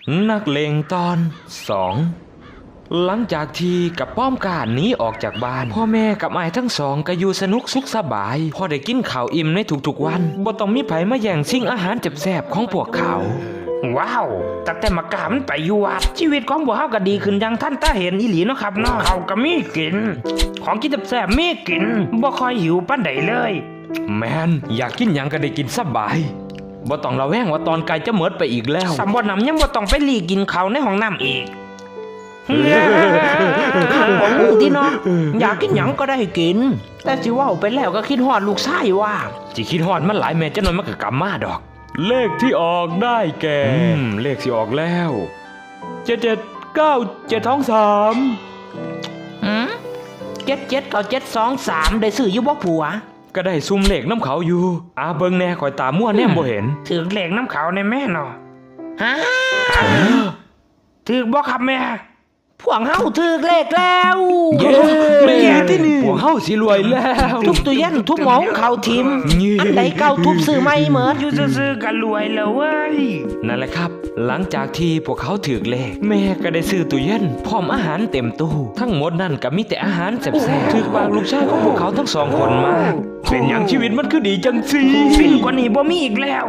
นักเลงตอน2หลังจากที่กับป้อมกาหนีออกจากบ้านพ่อแม่กับอ้ายทั้งสองก็อยู่สนุกสุขสบายพอได้กินข้าวอิ่มในทุกๆวันบ่ต้องมีไผมาแย่งชิงอาหารแซ่บๆของพวกเขาว้าวตั้งแต่มากามันไปอยู่วัดชีวิตของพวกเฮาก็ดีขึ้นอย่างท่านตาเห็นอีหลีเนาะครับเนาะเขาก็มีกินของกินแซ่บๆมีกินบ่ค่อยหิวปานใดเลยแม่นอยากกินหยังก็ได้กินสบายบ่ต้องระแวงว่าตอนไกลจะหมดไปอีกแล้วสำบ่นำยังบ่ต้องไปหลีกินข้าวในห้องน้ำอีกบ่รู้ติเนาะอยากกินหยังก็ได้กินแต่สิเว้าไปแล้วก็คิดฮอดลูกชายว่าสิคิดฮอดมันหลายแม่จังหน่อยมันก็กลับมาดอกเลขที่ออกได้แก่เลขที่ออกแล้ว779723 779723ได้ซื้ออยู่บ่ผัวก็ได้ซุ่มเลขน้ำเขาอยู่เบิ่งแน่ข่อยตามั่วแน่บ่เห็นถือเลขน้ำเขาในแม่เนาะฮะถือบ่ครับแม่พวกเฮาถือเลขแล้วแม่ที่นี่พวกเฮาสิรวยแล้วทุบตู้เย็นทุบหม้อเขาทิมอันใดเก่าทุบซื้อใหม่เหมิดอยู่ซื่อๆก็รวยแล้วเว้ยนั่นแหละครับหลังจากที่พวกเขาถือเลขแม่ก็ได้ซื้อตู้เย็นพร้อมอาหารเต็มตู้ทั้งหมดนั่นก็มีแต่อาหารแซ่บๆถือปากลูกชายของพวกเขาทั้งสองคนมาเป็นอย่างชีวิตมันคือดีจังสิฟินกว่านี้บ่มีอีกแล้ว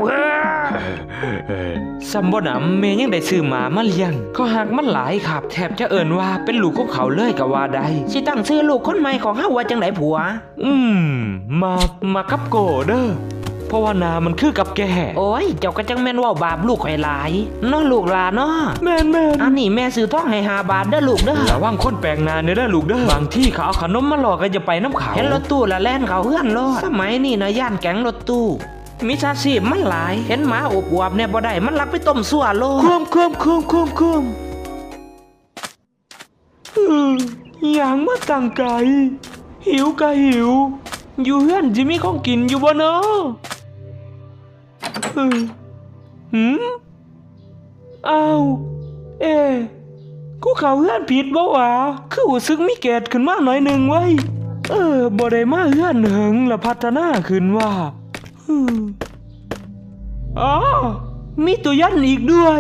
ซัมบ่นำแม่ยังได้ซื้อหมาเลี้ยงเขาหักมันหลายครับแทบจะเอิ้นว่าเป็นลูกของเขาเลยก็ว่าได้สิตั้งชื่อลูกคนใหม่ของเฮาว่าจังไดผัวมากับโกเด้อเพราะว่านามันคือกับแกโอ้ยเจ้าก็จังแม่นว่าบาปลูกข่อยหลายเนาะลูกหลานเนาะแม่นอันนี้แม่ซื้อทองให้5 บาทเด้อลูกเด้อระวังคนแปลกหน้าเด้อลูกเด้อบางที่เขาเอาขนมมาหลอกก็จะไปน้ำเขาเห็นรถตู้ละแล่นเขาเฮือนโลดสมัยนี้นะย่านแก๊งรถตู้มิจฉาชีพมันหลายเห็นหมาอบอวบเนี่ยบ่ได้มันลักไปต้มซั่วโลดคุมอย่างมาตั้งไกลหิวก็หิวอยู่เฮือนจิมีของกินอยู่บ่เนาะอ้าวกูเข้าเฮือนผิดบ่วะคือรู้สึกมีเกตขึ้นมาหน่อยนึงไว้บ่ได้มาเฮือนเหิงละพัฒนาขึ้นว่ามีตัวยันอีกด้วย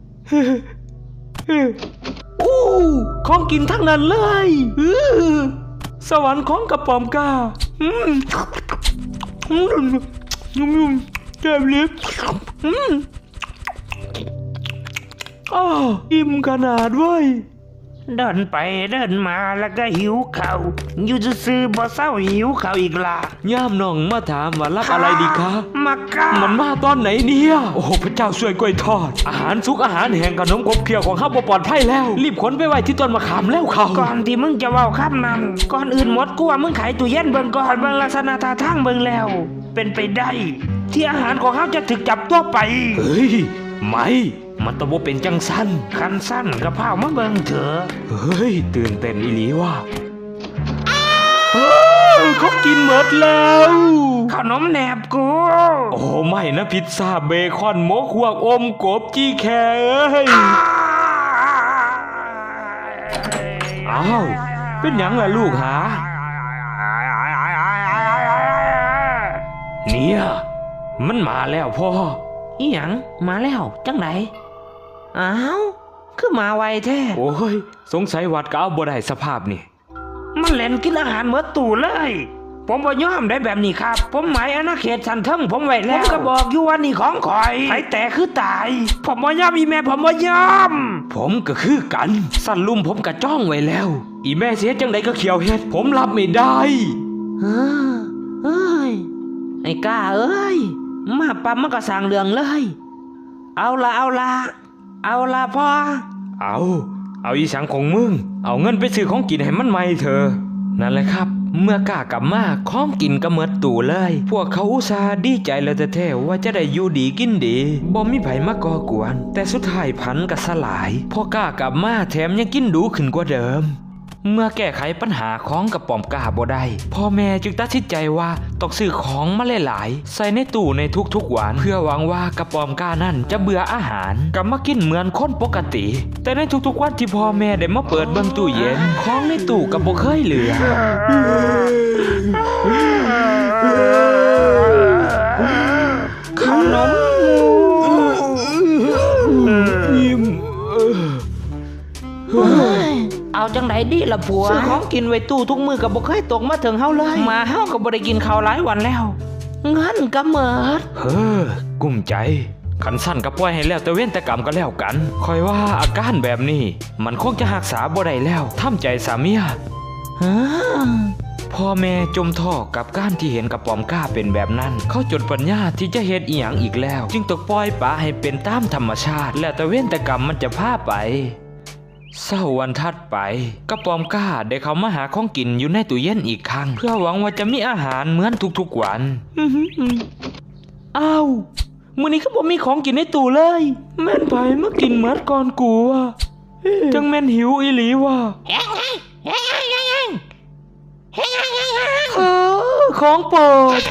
ของกินทั้งนั้นเลยสวรรค์ของกระป๋อมกาเจ็บลิบอิ่มขนาดเว้ยเดินไปเดินมาแล้วก็หิวข้าวอยู่ซื่อๆบ่เศร้าหิวข้าวอีกล่ะย่ามน้องมาถามว่ารับอะไรดีคะมากะมันมาตอนไหนเนี่ยโอ้พระเจ้าช่วยกล้วยทอดอาหารสุกอาหารแห้งขนมขบเคี้ยวของข้าบ่ปลอดภัยแล้วรีบขนไปไว้ที่ต้นมะขามแล้วเขาก่อนที่มึงจะเว้าคำนั้นก่อนอื่นหมดกูว่ามึงขายตู้เย็นเบิ่งก่อนเบิ่งลักษณะท่าทางเบิ่งแล้วเป็นไปได้ที่อาหารของเฮาจะถูกจับตัวไปเฮ้ยไม่มันต้องบ่เป็นจังสั้นคันสั้นกระเพรามาเบิ่งเถอะเฮ้ยตื่นเต้นอีหลีว่ะเขากินหมดแล้วขนมแหนบกูโอ้ไม่นะพิซซ่าเบคอนหมูควกอมกบจี้แค่อ้าวเป็นหยังล่ะลูกหาเนี่ยมันมาแล้วพ่ออีหยังมาแล้วจังไหนอ้าวคือมาไวแท้โอ้ยสงสัยวัดก็เอาบ่ได้สภาพนี่มันเล่นกินอาหารเมื่อตู่เลยผมบ่ยอมได้แบบนี้ครับผมหมายอาณาเขตสันเทิงผมไว้แล้วผมก็บอกอยู่ว่านี่ของข่อยไผแต่คือตายผมบ่ยอมอีแม่ผมบ่ยอมผมก็คือกันสั่นลุ่มผมก็จ้องไว้แล้วอีแม่เสียจังใดก็เขียวเฮ็ดผมรับไม่ได้เอ้ยไอ้ก้าเอ้ยมาปั๊มมันก็สร้างเรื่องเลยเอาละพ่อเอาอีสังของมึงเอาเงินไปซื้อของกินให้มันใหม่เถอะนั่นแหละครับเมื่อกล้ากลับมาของกินก็หมดตู้เลยพวกเขาอุตส่าห์ดีใจแล้วแท้ๆว่าจะได้อยู่ดีกินดีบ่มีไผมาก่อกวนแต่สุดท้ายพันก็สลายพอกล้ากลับมาแถมยังกินดูขึ้นกว่าเดิมเมื่อแก้ไขปัญหาของกระป๋อมกาบ่ได้พ่อแม่จึงตัดสินใจว่าต้องซื้อของมาหลายๆใส่ในตู้ในทุกๆวันเพื่อหวังว่ากระป๋อมกานั่นจะเบื่ออาหารกลับมากินเหมือนคนปกติแต่ในทุกๆวันที่พ่อแม่ได้มาเปิดเบิ่งตู้เย็นของในตู้ก็บ่เคยเหลือขนมจังไดดีล่ะผัวซื้อของกินไว้ตู้ทุกมื้อก็บ่เคยตกมาถึงเฮาเลยมาเฮาก็บ่ได้กินข้าวหลายวันแล้วเงินก็หมดเฮ้อกุ้มใจขันสั้นก็ปล่อยให้แล้วแต่เว้นแต่กรรมก็แล้วกันคอยว่าอาการแบบนี้มันคงจะรักษาบ่ได้แล้วทำใจสามียพ่อแม่จมท่อกับการที่เห็นกระป๋อมกล้าเป็นแบบนั้นเขาจดปัญญาที่จะเฮ็ดอีหยังอีกแล้วจึงตกปล่อยปละให้เป็นตามธรรมชาติแล้วแต่เว้นแต่กรรมมันจะพาไปเช้าวันถัดไปกระป๋อมกล้าได้เข้ามาหาของกินอยู่ในตู้เย็นอีกครั้งเพื่อหวังว่าจะมีอาหารเหมือนทุกๆวันอ้าวมื้อนี้ก็บ่มีของกินในตู้เลยแม่นไผมากินเหมือนก่อนกูอ่ะจังแม่นหิวอีหลีว่ะของโปรด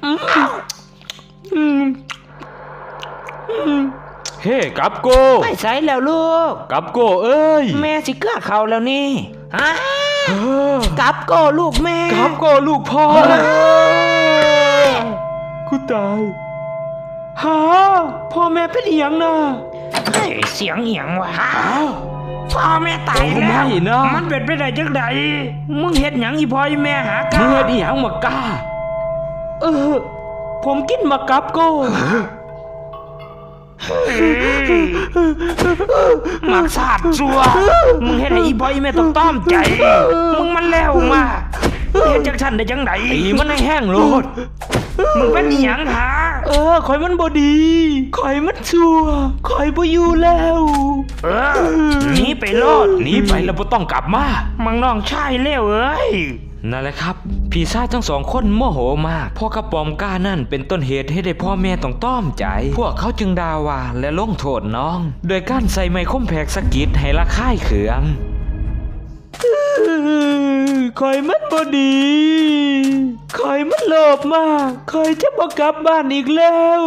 เฮ้กับโกไปใส่แล้วลูกกับโกเอ้ยแม่สิเกลือเขาแล้วนี่ฮะเออกับโกลูกแม่กับโกลูกพ่อกูตายฮะพ่อแม่เป็นอีหยังนะเฮ้ยเสียงเอียงวะพ่อแม่ตายโอ้แล้วไม่นะมันเป็นไปได้จังไดมึงเฮ็ดหยังอีพ่ออีแม่หากามึงเฮ็ดอีหยังมากล้าผมกินมากับโกหมักสาดซัวมึงเฮ็ดให้อีพ่ออีแม่ต้องต้อมใจมึงมันแล้วมาเฮ็ดจังฉันได้จังไดตีมันให้แห้งโลดมึงเป็นอีหยังหาคอยมันบ่ดีคอยมันชั่วคอยบ่อยู่แล้วหนีไปโลดหนีไปแล้วบ่ต้องกลับมามังน้องชายเลวเอ้ยนั่นแหละครับพี่ชายทั้งสองคนโมโหมากเพราะกระป๋อมกล้านั่นเป็นต้นเหตุให้ได้พ่อแม่ต้องต้อมใจ พวกเขาจึงด่าว่าและลงโทษน้อง โดยการใส่ไม้คมแผกสะกิดให้ละค่ายเขืองคอยมันบ่ดีคอยมันโลภมากคอยจะบ่กลับบ้านอีกแล้ว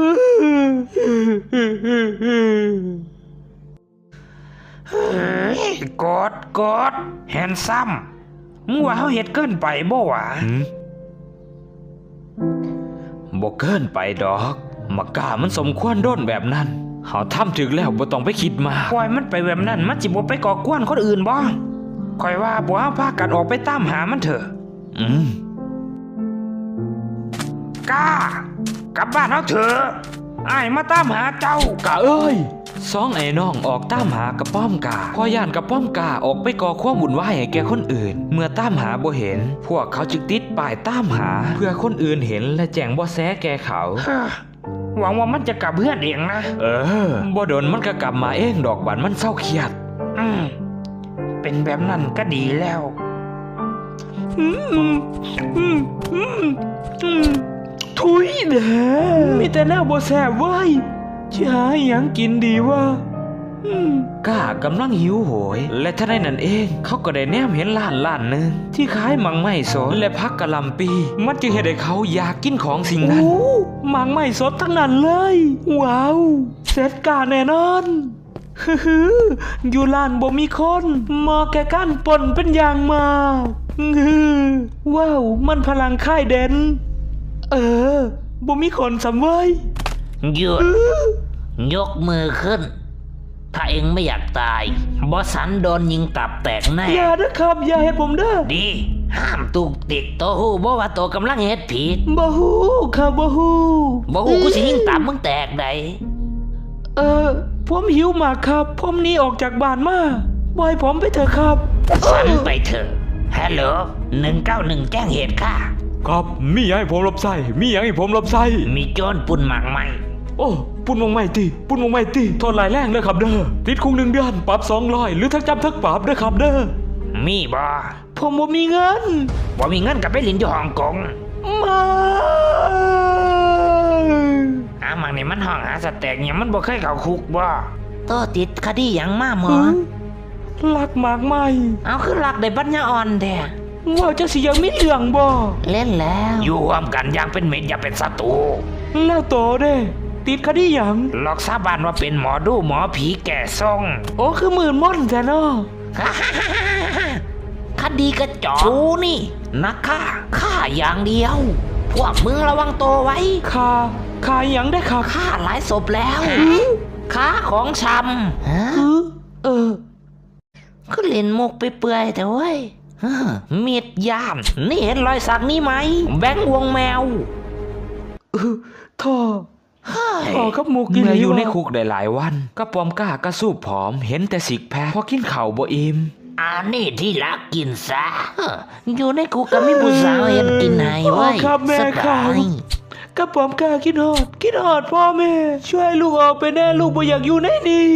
กดแฮนซัมมึงว่าเขาเฮ็ดเกินไปบ่วะบ่เกินไปดอกมากล้ามันสมควรโดนแบบนั้นเฮาทำถึงแล้วบ่ต้องไปคิดมากปล่อยมันไปแบบนั้นมันสิบ่ไปก่อกวนคนอื่นบ่คอยว่าบ่เอาพากันออกไปตามหามันเถอะกลับบ้านเฮาเถอะอ้ายมาตามหาเจ้ากะเอ้ยสองไอ้น้องออกตามหากระป้อมกาพอย่านกระป้อมกาออกไปก่อความวุ่นวายให้แก่คนอื่น เมื่อตามหาบ่เห็น พวกเขาจึงติดป้ายตามหา เพื่อคนอื่นเห็นและแจ้งเบาะแสแก่เขาหวังว่ามันจะกลับเพื่อนเองนะบ่โดนมันก็กลับมาเองดอกบันมันเศร้าเครียดเป็นแบบนั้นก็ดีแล้วทุยเด้มีแต่แนวบ่แซ่บเว้ยจะหาหยังกินดีวะก้ากำลังหิวโหย และท่าได้นั่นเองเขาก็ได้แนมเห็นร้านหนึ่งที่ขายมังไม่สดและพักกะหล่ำปีมันจึงเห็นให้เขาอยากกินของสิ่งนั้นมังไม่สดทั้งนั้นเลยว้าวเสร็จกาแน่นอนอยู่ร้านบ่มีคนเหมาะแก่การป่นเป็นอย่างมากว้าวมันพลังค่ายเด่นบ่มีคนสำเว้ยหยุดยกมือขึ้น ถ้าเองไม่อยากตายบอสันโดนยิงตับแตกแน่อย่าเด้อครับอย่าให้ผมเด้อดี ห้ามตุกติกโตหูบ่ว่าโตกำลังเฮ็ดผิดบ่ฮู้ครับบ่ฮู้บ่หูกูสิยิงตับมึงแตกได้ผมหิวมากครับผมหนีออกจากบ้านมาปล่อยผมไปเถอะครับสันไปเถอะฮัลโหล191แจ้งเหตุค่ะครับมีหยังให้ผมรับใช้มีหยังให้ผมรับใช้มีโจรปุ่นหมากไหมโอ้ปุ่นวงไม่ติปุ่นวงไม่ติโทษหลายแรงเด้อครับเด้อติดคุก1 เดือนปรับ200หรือทั้งจำทั้งปรับเด้อครับเด้อมีบ่ผมบ่มีเงินบ่มีเงินกับไปลินอยู่ฮ่องกงมามังนี่มันห้องหาสแต็กเนี่ยมันบ่เคยเข้าคุกบ่โตติดคดีหยังมาหมอลักมากไหมเอาคือลักได้ปัญญาอ่อนแท้ว่าจะสิยังมีเรื่องบ่เล่นแล้วอยู่ร่วมกันอย่างเป็นมิตรอย่าเป็นศัตรูแล้วโตเด้ติดคดีหยังหลอกสาบานว่าเป็นหมอดูหมอผีแก่ทรงโอ้คือมื่นม่อนแท้เนาะคดีกระจอกกูนี่นักฆ่าอย่างเดียว พวกมึงระวังตัวไว้ค่าหยังได้ครับฆ่าหลายศพแล้วค้าของชำคือก็เลล่นมุกไปเปื่อยแต่เว้ยมีดย่ามนี่เห็นรอยสักนี่ไหมแบงค์วงแมวท่อกับมุกเมื่ออยู่ในคุกได้หลายวันก็ปอมก้ากระสูบผอมเห็นแต่สิกแพคพอกินข้าวบ่อิ่มนี่ที่รักกินซะอยู่ในคุกก็มีผู้สาวเห็นกินให้ไว้ครับแม่ครับกระป๋อมกาคิดฮอดพ่อแม่ช่วยลูกออกไปแน่ลูกบ่อยากอยู่ในนี่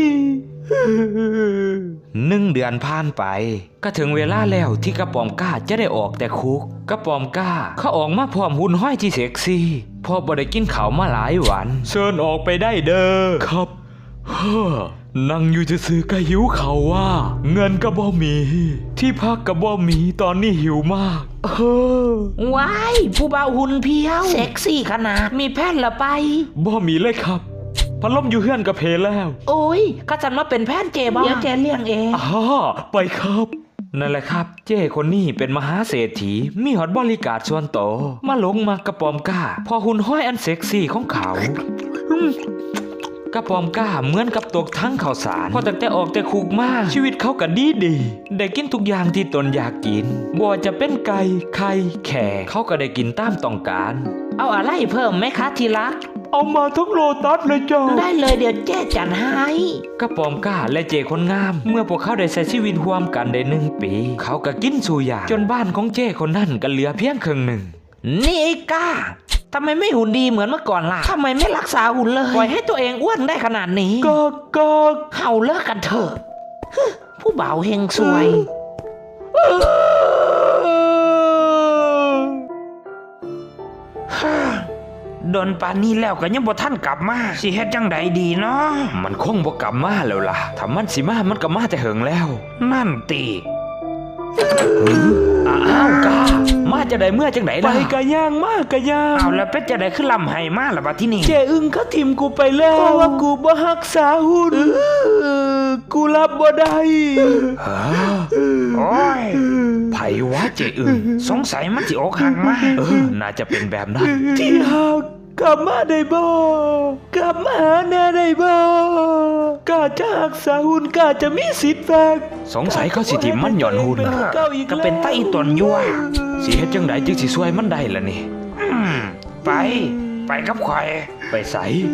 1 เดือนผ่านไปก็ถึงเวลาแล้วที่กระป๋อมกาจะได้ออกแต่คุกกระป๋อมกาเขาออกมาพร้อมหุ่นห้อยที่เซ็กซี่พ่อบ่ได้กินข้าวมาหลายวันเชิญออกไปได้เด้อครับนั่งอยู่ซื่อๆก็หิวข้าวว่าเงินก็บ่มีที่พักก็บ่มีตอนนี้หิวมากว้ายผู้บ่าวหุ่นเพียวเซ็กซี่ขนาดมีแพทย์ละไปบ่มีเลยครับพัดลมอยู่เฮือนกับเพลแล้วโอ้ยก็จันมาเป็นแพทย์เจบ้าเดี๋ยวแกเลี้ยงเองไปครับนั่นแหละครับเจ้คนนี้เป็นมหาเศรษฐีมีหอดบริการส่วนโตมาหลงมากระปอมก้าพอหุ่นห้อยอันเซ็กซี่ของเขากระปอมก้าเหมือนกับตกทั้งข่าวสารพอตั้งแต่ออกแต่คุกมาชีวิตเขาก็ดีได้กินทุกอย่างที่ตนอยากกินบ่ว่าจะเป็นไก่ไข่แข่เขาก็ได้กินตามต้องการเอาอะไรเพิ่มไหมคะทีรักเอามาทุกโลตัสเลยจ้าได้เลยเดี๋ยวเจ๊จัดให้กระปอมก้าและเจคนงามเมื่อพวกเขาได้ใช้ชีวิตร่วมกันได้1 ปีเขาก็กินสู่อย่างจนบ้านของเจคนนั้นก็เหลือเพียงครึ่งหนึ่งนี่ไอ้ก้าทำไมไม่หุ่นดีเหมือนเมื่อก่อนล่ะทำไมไม่รักษาหุ่นเลยปล่อยให้ตัวเองอ้วนได้ขนาดนี้ก็เขาเลิกกันเถอะผู้บ่าวเฮงซวยโดนปานนี้แล้วก็ยังบ่ท่านกลับมาสิเฮ็ดจังใดดีเนาะมันคงบ่กลับมาแล้วล่ะถ้ามันสิมามันก็มาแต่เหิงแล้วนั่นติกามาจะได้เมื่อจังไหนล่ะไปกะย่างมากกะย่างแล้วเป็ดจะได้ขึ้นลำไห้มาล่ะบัดที่นี่เจอึ้งเขาทิมกูไปแล้วเพราะว่ากูบ่รักษาหุ่นกูรับบ่ได้โอ้ยไผวะเจอึ้งสงสัยมันสิอกหักมาน่าจะเป็นแบบนั้นที่หักกลับมาได้บ่กลับมาหาแน่ได้บ่กาจะรักษาหุ่นกาจะมีสิทธิ์แฟกสงสัยเขาสิทิมมันหย่อนหุ่นก็เป็นไต้ตนยั่วสิเฮ็ดจังไดจึงสิช่วยมันได้ล่ะนี่ไปกับข่อยไปไส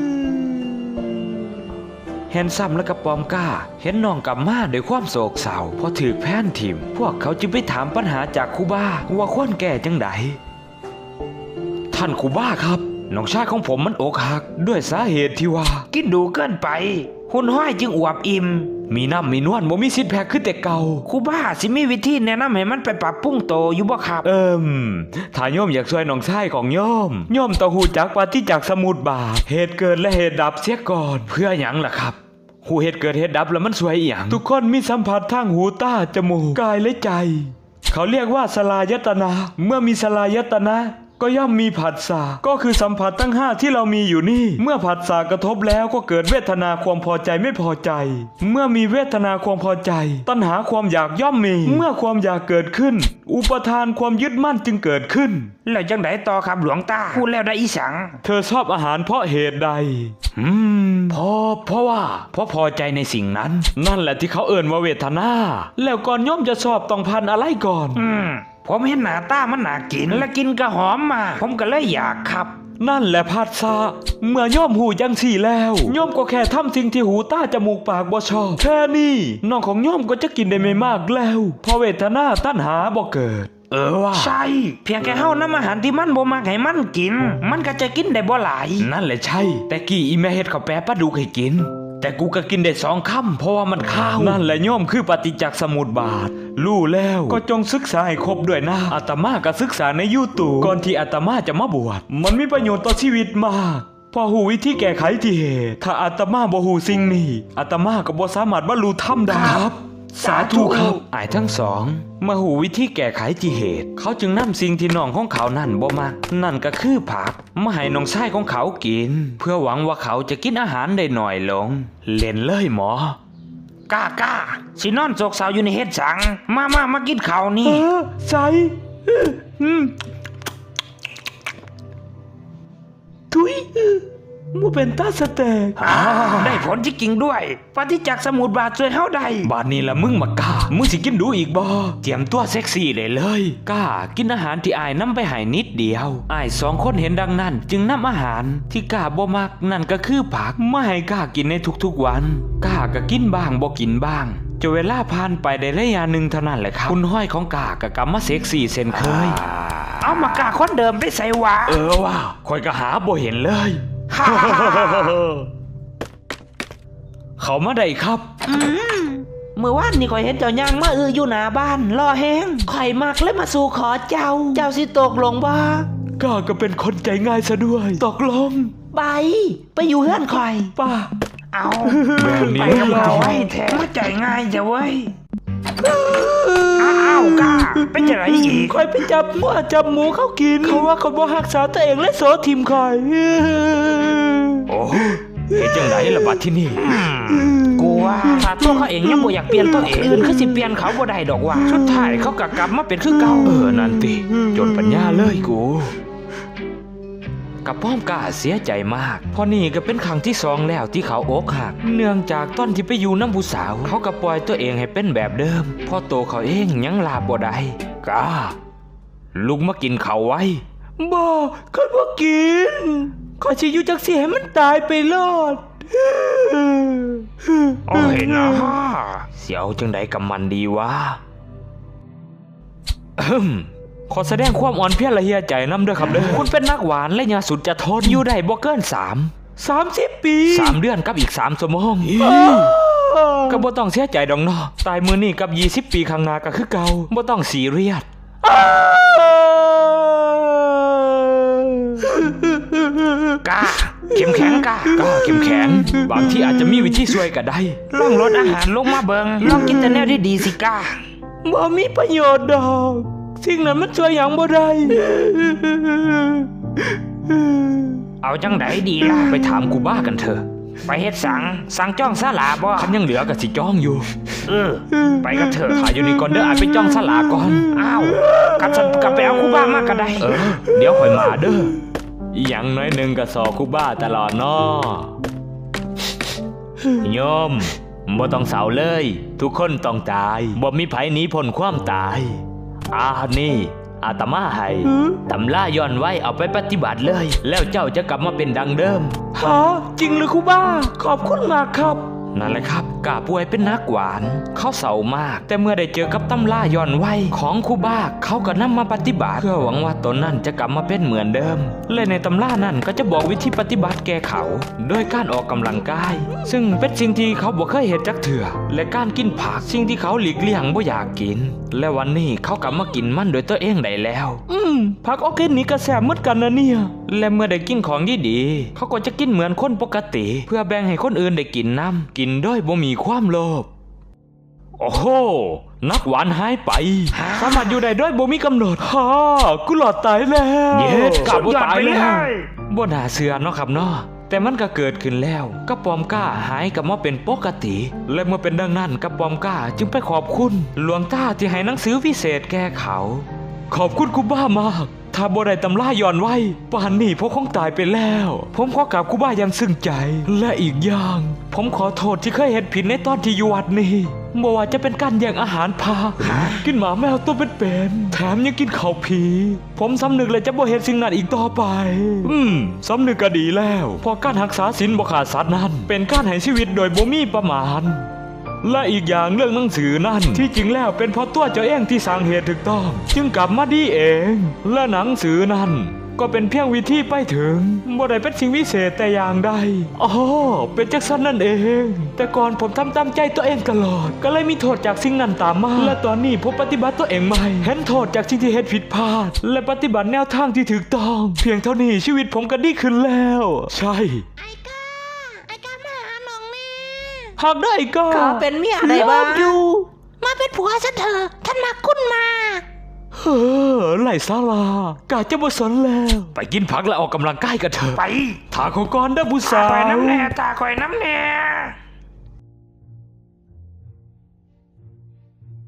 เห็นซ้ำและกระปอมก้าเห็นน้องกลับมาด้วยความโศกเศร้าพอถูกแพนถิ่มพวกเขาจึงไปถามปัญหาจากครูบาว่าควรแก้จังไดท่านครูบาครับน้องชายของผมมันอกหักด้วยสาเหตุที่ว่ากินดูเกินไปหุ่นห้อยจึงอวบอิ่มมีน้ำมีนวลบ่มีสิทธิ์แพ้ขึ้นแต่เก่าครูบาสิมีวิธีแนะนำให้มันไปปรับปรุงโตอยู่บ่ครับถ้าโยมอยากช่วยน้องชายของโยมต้องฮู้จักปฏิจจสมุปบาทเหตุเกิดและเหตุดับเสียก่อนเพื่อหยังล่ะครับหูเหตุเกิดเหตุดับแล้วมันสวยอีหยังทุกคนมีสัมผัสทางหูตาจมูกกายและใจเขาเรียกว่าสลายตนะเมื่อมีสลายตนะก็ย่อมมีผัสสะก็คือสัมผัสทั้ง5ที่เรามีอยู่นี่เมื่อผัสสะกระทบแล้วก็เกิดเวทนาความพอใจไม่พอใจเมื่อมีเวทนาความพอใจตัณหาความอยากย่อมมีเมื่อความอยากเกิดขึ้นอุปทานความยึดมั่นจึงเกิดขึ้นแล้วจังไดต่อครับหลวงตาพูดแล้วได้อีสังเธอชอบอาหารเพราะเหตุใดเพราะว่าพอใจในสิ่งนั้นนั่นแหละที่เขาเอ่นว่าเวทนาแล้วก่อนย่อมจะชอบต้องพันอะไรก่อนผมเห็นหน้าตามันน่ากินและกินก็หอมมาผมก็เลยอยากครับนั่นแหละผัสสะเมื่อย่อมหูจังสี่แล้วย่อมก็แค่ทำสิ่งที่หูตาจมูกปากบ่ชอบแค่นี้น้องของย่อมก็จะกินได้ไม่มากแล้วเพราะเวทนาตัณหาบ่เกิดว่าใช่เพียงแค่เฮานำอาหารที่มันบ่มักให้มันกินมันก็จะกินได้บ่หลายนั่นแหละใช่แต่กี้อีแม่เฮ็ดข้าวแปะปลาดุกให้กินแต่กูก็กินได้2 คำเพราะว่ามันข้าวนั่นแหละย่อมคือปฏิจจสมุปบาทรู้แล้วก็จงศึกษาให้ครบด้วยนะอาตมาก็ศึกษาในYouTubeก่อนที่อาตมาจะมาบวชมันมีประโยชน์ต่อชีวิตมากพอหูวิธีแก้ไขที่เหตุถ้าอาตมาบ่หูสิ่งนี้อาตมาก็บ่สามารถบรรลุธรรมได้ครับสาธุครับอ้ายทั้งสองมาหูวิธีแก้ไขที่เหตุเขาจึงนำสิ่งที่น้องของเขานั่นบ่มักนั่นก็คือผักมาให้น้องชายของเขากินเพื่อหวังว่าเขาจะกินอาหารได้หน่อยลงเล่นเลยหมอกล้าสินอนโศกเศร้าอยู่ในเฮ็ดสังมากินข้าวนี่ใส่ทุยมูเป็นตาสเต็กได้ผลที่จริงด้วยปฏิจักษ์สมุทรบาทช่วยเฮาได้บาดนี้ละมึงมากล้ามึงสิกินดูอีกบ่เตรียมตัวเซ็กซี่เลยกล้ากินอาหารที่อายนำไปให้นิดเดียวอาย2 คนเห็นดังนั้นจึงนำอาหารที่กล้าบ่มักนั่นก็คือผักมาให้กล้ากินในทุกๆวันกล้าก็กินบ้างบ่กินบ้างจนเวลาผ่านไปได้ระยะหนึ่งเท่านั้นแหละครับคุณห้อยของกล้าก็กลับมาเซ็กซี่เช่นเคยเอามากาคนเดิมไปใส่วะว่าคอยก็หาบ่เห็นเลย เขามาได้ครับเมื่อวานนี่ข่อยเห็นเจ้าย่างมาอยู่หน้าบ้านรอแห้งข่อยมักเลยมาสู่ขอเจ้าสิตกลงบ่ก้าก็เป็นคนใจง่ายซะด้วยตกลงไปอยู่เฮือนข่อยป้าเอาแบบนี้ไปกับเราไว้แท้มาใจง่ายจ้ะเว้ยอ้าวกล้าเป็นจะไรอีกคอยไปจับมั่วจับหมูเขากินเขาว่าเขาบ่รักษาตัวเองและโสทิมคอยโอ้เฮ็ดจังไดล่ะบัดที่นี่กูว่าถ้าตัวเขาเองยังบ่อยากเปลี่ยนตัวเองอื่นคือสิเปลี่ยนเขาบ่ได้ดอกว่าสุดท้ายเขาก็กลับมาเป็นคือเก่านั่นติจนปัญญาเลยกูกับป้อมกล้าเสียใจมากเพราะนี่ก็เป็นครั้งที่2แล้วที่เขาอกหักเนื่องจากตอนที่ไปอยู่น้ำผู้สาวเขาก็ปล่อยตัวเองให้เป็นแบบเดิมพอโตเขาเองยังลาบ่ได้กล้าลุกมากินเขาไว้บ่ข้าบ่กินข้าสิอยู่จักสิให้มันตายไปรอดโอ้ยนะเสียวจังใดกับมันดีวะขอแสดงความอ่อนเพลียละเหียใจน้ำเด้อครับเด้อคุณเป็นนักหวานและยาสุดจะทนอยู่ได้บ่เกิน30 ปี3 เดือนกับอีก3 ชั่วโมงก็บ่ต้องเสียใจดอกเนาะตายมื้อนี้กับ20 ปีข้างหน้าก็คือเก่าบ่ต้องซีเรียสกล้าเข้มแข็งกล้าเข้มแข็งบางที่อาจจะมีวิธีช่วยก็ได้ลองลดอาหารลงมาเบิงลองกินแต่แนวที่ดีสิกล้าบ่มีประโยชน์ดอกสิ่งนั้นมันช่วยหยังบ่ได้เอาจังไดดีล่ะไปถามกูบ้ากันเถอะไปเฮ็ดสั่งจ้องศาลาบ่คันยังเหลือก็สิจ้องอยู่ไปกันเถอะถ่ายอยู่นี่ก่อนเด้ออาจไปจ้องศาลาก่อนอ้าวกับไปเอาคูบ้ามาก็ได้เดี๋ยวค่อยมาเด้ออย่างน้อยหนึ่งก็สอคูบ้าตลอดเนาะโยมบ่ต้องเศร้าเลยทุกคนต้องตายบ่มีไผหนีพ้นความตายนี่อาตมาให้ตำราย้อนไว้เอาไปปฏิบัติเลยแล้วเจ้าจะกลับมาเป็นดังเดิมจริงหรือครูบ้าขอบคุณมากครับนั่นแหละครับกาป่วยเป็นนักหวานเขาเศร้ามากแต่เมื่อได้เจอกับตำราย้อนไว้ของครูบ้าเขาก็นำมาปฏิบัติเพื่อหวังว่าตนนั้นจะกลับมาเป็นเหมือนเดิมและในตำรานั้นก็จะบอกวิธีปฏิบัติแก่เขาโดยการออกกำลังกายซึ่งเป็นสิ่งที่เขาบ่เคยเห็นจักเถื่อและการกินผักสิ่งที่เขาหลีกเลี่ยงบ่อยากกินและวันนี้เขากลับมากินมันโดยตัวเองได้แล้วผักออร์แกนิกก็แซ่บเหมือนกันนะเนี่ยและเมื่อได้กินของดีๆเขาก็จะกินเหมือนคนปกติเพื่อแบ่งให้คนอื่นได้กินน้ำกินด้วยบ่มีความโลภโอ้โหนักหวานหายไปสามารถอยู่ได้ด้วยบ่มีกำหนดกูหลอดตายแล้วกลับบ่ตายแล้วบ่น่าเชื่อเนาะครับเนาะแต่มันก็เกิดขึ้นแล้วกระปอมก้าหายกลับมาเป็นปกติและเมื่อเป็นดังนั้นกระปอมก้าจึงไปขอบคุณหลวงตาที่ให้หนังสือวิเศษแก่เขาขอบคุณครูบ้ามากถ้าบ่ได้ตำราย้อนไว้ป่านนี้พวกคงตายไปแล้วผมขอกราบครูบ้าอย่างซึ้งใจและอีกอย่างผมขอโทษที่เคยเฮ็ดผิดในตอนที่อยู่วัดนี้บ่ว่าจะเป็นการแย่งอาหารพากินหมาแมวตัวเป็นๆแถมยังกินข้าวผีผมสำนึกเลยจะบ่เฮ็ดสิ่งนั้นอีกต่อไปสำนึกก็ดีแล้วเพราะการรักษาศีลบ่ขาดสัตย์นั้นเป็นการให้ชีวิตโดยบ่มีประมาณและอีกอย่างเรื่องหนังสือนั่นที่จริงแล้วเป็นเพราะตัวเจ้าเองที่สร้างเหตุถูกต้องจึงกลับมาดีเองและหนังสือนั่นก็เป็นเพียงวิธีไปถึงบ่ได้เป็นสิ่งวิเศษแต่อย่างใดเป็นจักซั่นนั่นเองแต่ก่อนผมทำตามใจตัวเองตลอดก็เลยมีโทษจากสิ่งนั้นตามมาและตอนนี้ผมปฏิบัติตัวเองใหม่เห็นโทษจากสิ่งที่เฮ็ดผิดพลาดและปฏิบัติแนวทางที่ถูกต้องเพียงเท่านี้ชีวิตผมก็ดีขึ้นแล้วใช่หากได้ก็เป็นเมียได้บ้างมาเป็นผัวฉันเถอะท่านมาคุ้นมากไหลซาลากาจะบ่สนแล้วไปกินผักและออกกำลังกายกันเถอะไปถาขอก่อนเด้อผู้สาวตาคอยน้ำแน่